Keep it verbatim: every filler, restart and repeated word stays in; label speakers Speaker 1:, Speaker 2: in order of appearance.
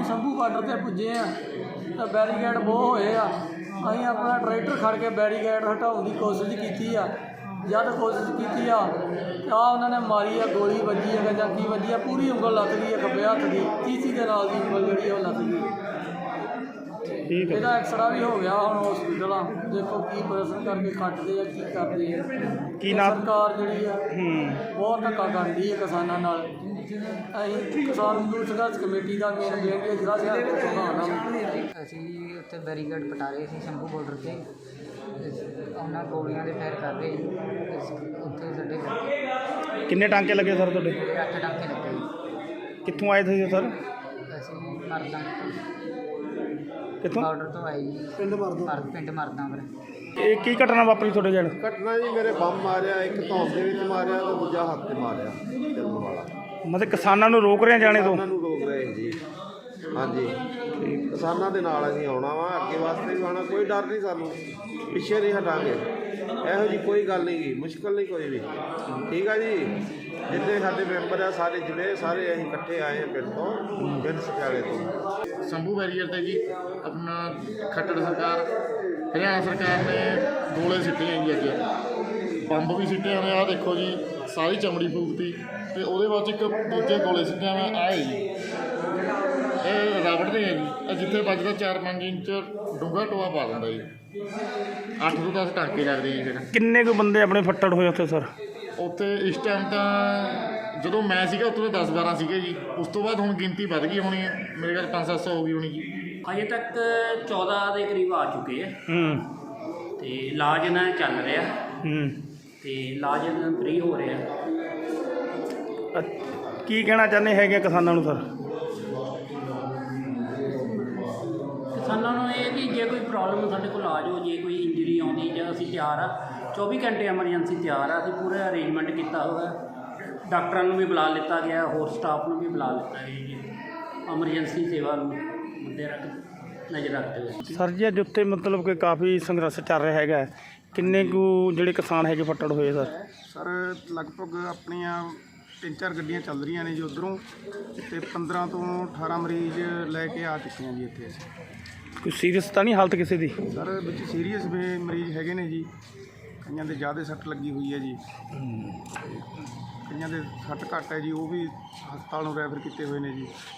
Speaker 1: Shambhu border से पुजे हाँ तो बैरीकेड बहुत होए आ अं अपना ट्रैक्टर खड़ के बैरीकेड हटाने की कोशिश की आ जब कोशिश की आ तो आ उन्होंने मारी आ गोली वजी है जां की वजी है पूरी उंगल लग गई है खब्बे हथ की तीसी के नाल दी उंगल जी लग गई
Speaker 2: ठीक है
Speaker 1: ਇਹਦਾ ਐਕਸਰਾ ਵੀ ਹੋ ਗਿਆ ਹੁਣ ਹਸਪੀਟਲ ਆ ਦੇਖੋ ਕੀ ਪ੍ਰਸ਼ਨ ਕਰਕੇ ਕੱਟਦੇ ਆ ਕੀ ਕਰਦੇ ਆ
Speaker 2: ਕੀ ਨਾਮ
Speaker 1: ਸਰਕਾਰ ਜਿਹੜੀ ਆ
Speaker 2: ਹੂੰ
Speaker 1: ਬਹੁਤ ਧੱਕਾ ਕਰਦੀ ਹੈ ਕਿਸਾਨਾਂ ਨਾਲ ਅਸੀਂ ਕਿਸਾਨ ਮਜ਼ਦੂਰ ਸੰਘਰਸ਼ ਕਮੇਟੀ ਦਾ ਮੇਨ ਬੇਨਤੀ ਹੈ ਜਿਹੜਾ ਸ਼ਹਿਰ ਦੇ ਪ੍ਰਧਾਨ
Speaker 3: ਅਸੀਂ ਉੱਥੇ ਬੈਰੀਕੇਡ ਪਟਾ ਰਹੇ ਸੀ ਸ਼ੰਭੂ ਬਾਰਡਰ 'ਤੇ ਉਹਨਾਂ ਗੋਲੀਆਂ ਦੇ ਫਾਇਰ ਕਰ ਰਹੇ ਸੀ ਉੱਥੇ ਸਾਡੇ
Speaker 2: ਕਿੰਨੇ ਟਾਂਕੇ ਲੱਗੇ ਸਰ ਤੁਹਾਡੇ
Speaker 3: ਅੱਠ ਟਾਂਕੇ ਲੱਗੇ ਜੀ।
Speaker 2: ਕਿੱਥੋਂ ਆਏ ਤੁਸੀਂ ਸਰ
Speaker 3: ਅਸੀਂ ਮਰਦਾਂ
Speaker 2: ਕਿੱਥੋਂ
Speaker 3: ਬਾਰਡਰ ਤੋਂ ਆਏ ਜੀ ਪਿੰਡ ਮਰਦਾਂ ਪਿੰਡ ਮਰਦਾਂ ਪਰ
Speaker 2: ਇਹ ਕੀ ਘਟਨਾ ਵਾਪਰੀ ਤੁਹਾਡੇ ਜਣ
Speaker 4: ਘਟਨਾ ਜੀ ਮੇਰੇ ਬੰਬ ਮਾਰਿਆ ਇੱਕ ਧੌਣ ਦੇ ਵਿੱਚ ਮਾਰਿਆ ਤੇ ਦੂਜਾ ਹੱਥ ਤੇ ਮਾਰਿਆ ਜਲਮ ਵਾਲਾ
Speaker 2: ਮਤਲਬ ਕਿਸਾਨਾਂ ਨੂੰ ਰੋਕ ਰਹੇ ਜਾਣੇ ਤੋਂ
Speaker 4: ਉਹਨਾਂ ਨੂੰ ਰੋਕ ਰਹੇ ਜੀ ਹਾਂਜੀ ਕਿਸਾਨਾਂ ਦੇ ਨਾਲ ਅਸੀਂ ਆਉਣਾ ਵਾ ਅੱਗੇ ਵਾਸਤੇ ਵੀ ਆਉਣਾ ਕੋਈ ਡਰ ਨਹੀਂ ਸਾਨੂੰ ਪਿੱਛੇ ਨਹੀਂ ਹਟਾਂਗੇ ਇਹੋ ਜੀ ਕੋਈ ਗੱਲ ਨਹੀਂ ਗੀ ਮੁਸ਼ਕਲ ਨਹੀਂ ਕੋਈ ਵੀ ਠੀਕ ਆ ਜੀ ਜਿੰਨੇ ਸਾਡੇ ਮੈਂਬਰ ਆ ਸਾਰੇ ਜ਼ਿਲ੍ਹੇ ਸਾਰੇ ਅਸੀਂ ਇਕੱਠੇ ਆਏ ਹਾਂ ਪਿੰਡ ਤੋਂ ਪਿੰਡ ਸਖਿਆਲੇ ਤੋਂ
Speaker 5: शंभू बैरियर ਤੇ ਜੀ ਆਪਣਾ ਖੱਟੜ ਸਰਕਾਰ ਹਰਿਆਣਾ ਸਰਕਾਰ ਨੇ ਗੋਲੇ ਸਿੱਟੇ ਆ ਜੀ ਅੱਜ ਬੰਬ ਵੀ ਸਿੱਟੇ ਨੇ ਆਹ ਦੇਖੋ ਜੀ ਸਾਰੀ ਚਮੜੀ ਫੂਕਤੀ ਤੇ ਉਹਦੇ ਬਾਅਦ ਇੱਕ ਦੂਜੇ ਗੋਲੇ ਸਿੱਟੇ ਆ ਆਏ ਜੀ ਇਹ ਰਬੜ ਦੇ ਆ ਜੀ ਇਹ ਜਿੱਥੇ ਵੱਜਦਾ ਚਾਰ ਪੰਜ ਇੰਚ ਡੂੰਘਾ ਟੋਆ ਪਾ ਦਿੰਦਾ ਜੀ ਅੱਠ ਤੋਂ ਦਸ ਟਾਂਕੇ ਲੱਗਦੇ ਜੀ ਫਿਰ
Speaker 2: ਕਿੰਨੇ ਕੁ ਬੰਦੇ ਆਪਣੇ ਫੱਟੜ ਹੋਏ ਉੱਥੇ ਸਰ
Speaker 5: ਉੱਥੇ ਇਸ ਟਾਈਮ ਤਾਂ ਜਦੋਂ ਮੈਂ ਸੀਗਾ ਉੱਥੇ ਤਾਂ ਦਸ ਬਾਰਾਂ ਸੀਗੇ ਜੀ ਉਸ ਤੋਂ ਬਾਅਦ ਹੁਣ ਗਿਣਤੀ ਵੱਧ ਗਈ ਹੋਣੀ ਹੈ ਮੇਰੇ ਖਿਆਲ ਪੰਜ ਸੱਤ ਸੌ ਹੋ ਗਈ ਹੋਣੀ ਜੀ
Speaker 6: ਅਜੇ ਤੱਕ ਚੌਦਾਂ ਦੇ ਕਰੀਬ ਆ ਚੁੱਕੇ ਆ
Speaker 2: ਹੂੰ
Speaker 6: ਤੇ ਇਲਾਜ ਇਹਨਾਂ ਦਾ ਚੱਲ ਰਿਹਾ
Speaker 2: ਹੂੰ
Speaker 6: ਤੇ ਇਲਾਜ ਇਹਨਾਂ ਦਾ ਫ੍ਰੀ ਹੋ ਰਿਹਾ।
Speaker 2: ਅ- ਕੀ ਕਹਿਣਾ ਚਾਹੁੰਦੇ ਹੈਗੇ ਕਿਸਾਨਾਂ ਨੂੰ ਸਰ
Speaker 6: ਕਿਸਾਨਾਂ ਨੂੰ ਇਹ ਕਿ ਜੇ ਕੋਈ ਪ੍ਰੋਬਲਮ ਸਾਡੇ ਕੋਲ ਆ ਜਾਓ ਜੇ ਕੋਈ ਇੰਜਰੀ ਆਉਂਦੀ ਜਾਂ ਅਸੀਂ ਤਿਆਰ ਆ ਚੌਵੀ ਘੰਟੇ ਐਮਰਜੈਂਸੀ ਤਿਆਰ ਆ ਅਸੀਂ ਪੂਰਾ ਅਰੇਂਜਮੈਂਟ ਕੀਤਾ ਹੋਇਆ ਡਾਕਟਰਾਂ ਨੂੰ ਵੀ ਬੁਲਾ ਲਿੱਤਾ ਗਿਆ ਹੋਰ ਸਟਾਫ ਨੂੰ ਵੀ ਬੁਲਾ ਲਿੱਤਾ ਗਿਆ ਜੀ ਐਮਰਜੈਂਸੀ ਸੇਵਾ ਨੂੰ ਮੁੱਦੇ ਰੱਖ ਨਜ਼ਰ ਰੱਖਦੇ ਹੋਏ।
Speaker 2: ਸਰ ਜੀ ਅੱਜ ਉੱਥੇ ਮਤਲਬ ਕਿ ਕਾਫੀ ਸੰਘਰਸ਼ ਚੱਲ ਰਿਹਾ ਹੈਗਾ ਕਿੰਨੇ ਕੁ ਜਿਹੜੇ ਕਿਸਾਨ ਹੈਗੇ ਫੱਟੜ ਹੋਏ ਸਰ
Speaker 7: ਸਰ ਲਗਭਗ ਆਪਣੀਆਂ ਤਿੰਨ ਚਾਰ ਗੱਡੀਆਂ ਚੱਲ ਰਹੀਆਂ ਨੇ ਜੀ ਉੱਧਰੋਂ ਅਤੇ ਪੰਦਰਾਂ ਤੋਂ ਅਠਾਰਾਂ ਮਰੀਜ਼ ਲੈ ਕੇ ਆ ਚੁੱਕੇ ਹਾਂ ਜੀ ਇੱਥੇ ਅਸੀਂ।
Speaker 2: ਕੋਈ ਸੀਰੀਅਸ ਤਾਂ ਨਹੀਂ ਹਾਲਤ ਕਿਸੇ ਦੀ
Speaker 7: ਸਰ ਵਿੱਚ ਸੀਰੀਅਸ ਵੀ ਮਰੀਜ਼ ਹੈਗੇ ਨੇ ਜੀ ਕਈਆਂ ਦੇ ਜ਼ਿਆਦਾ ਸੱਟ ਲੱਗੀ ਹੋਈ ਹੈ ਜੀ ਕਈਆਂ ਦੇ ਸੱਟ ਘੱਟ ਹੈ ਜੀ ਉਹ ਵੀ ਹਸਪਤਾਲ ਨੂੰ ਰੈਫਰ ਕੀਤੇ ਹੋਏ ਨੇ ਜੀ।